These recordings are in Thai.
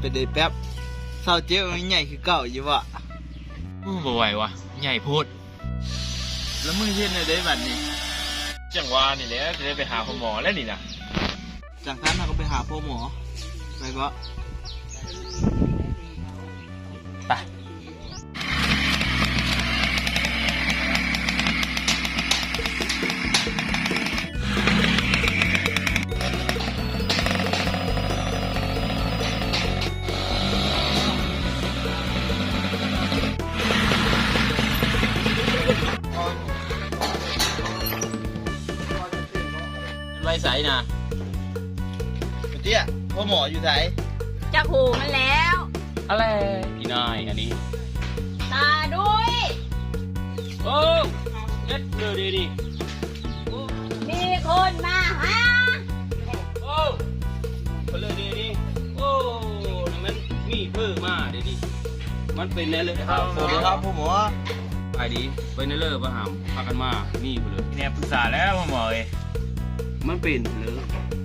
เป็นได้แป๊บเศร้าเจ็บมันใหญ่คือเก่าอยู่วะบ่ไหววะใหญ่พูดแล้วมึงเฮ็ดในได้บัดนี้จังหวะนี่แหละจะได้ไปหาคุณหมอแล้วนี่นะจากนั้นเราก็ไปหาพ่อหมอไปก็ไปไว้ใส่นะเตี้ยพ่อหมออยู่ไหนจะหูมันแล้วอะไรอีนายอันนี้ตาด้วยโอ้เอ็ดเดือดดีมีคนมาหาโอ้คนเลยดีโอ้มันมีเพิ่มมาดีมันเป็นแน่เลยครับสวัสดีครับพ่อหมอไปดีไปในเลิศประหามพากันมานี่ไปเลยเนี่ยปรึกษาแล้วพ่อหมอเอ้ยมันเป็นเลย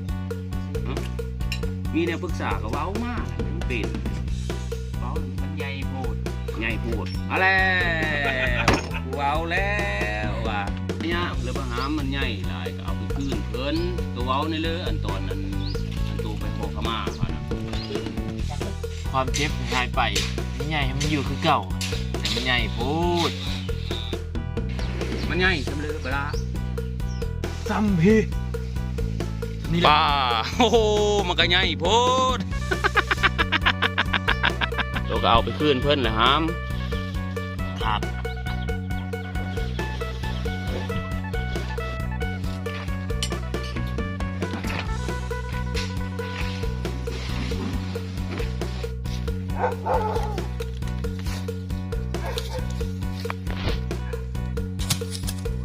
มีเนี่ยปรึกษากับเว้ามากมันเป็นเว้ามันใหญ่โพดใหญ่พูดอะไรเว้าแล้วว่ะเนี่ยเรือประหามมันใหญ่หลายก็เอาไปคืนเพิ่นตัวเว้าในเรืออันตอนนั้นอันตัวไปขอขมาเขานะความเจ็บหายไปใหญ่มันอยู่คือเก่าแต่มันใหญ่โพดมันใหญ่จำเลยเวลาซ้ำพี่ป้าโอ้โหมันก็ใหญ่โพดตัวก็เอาไปคืนเพิ่นเลยฮามครับ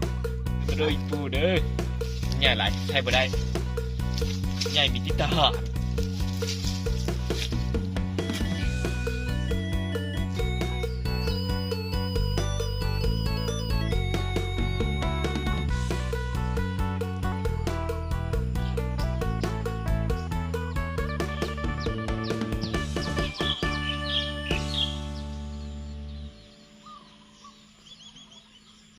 มาดูอีกปูเด้อใหญ่หลายใช่บ่ได้ใหญ่มีติดทหาร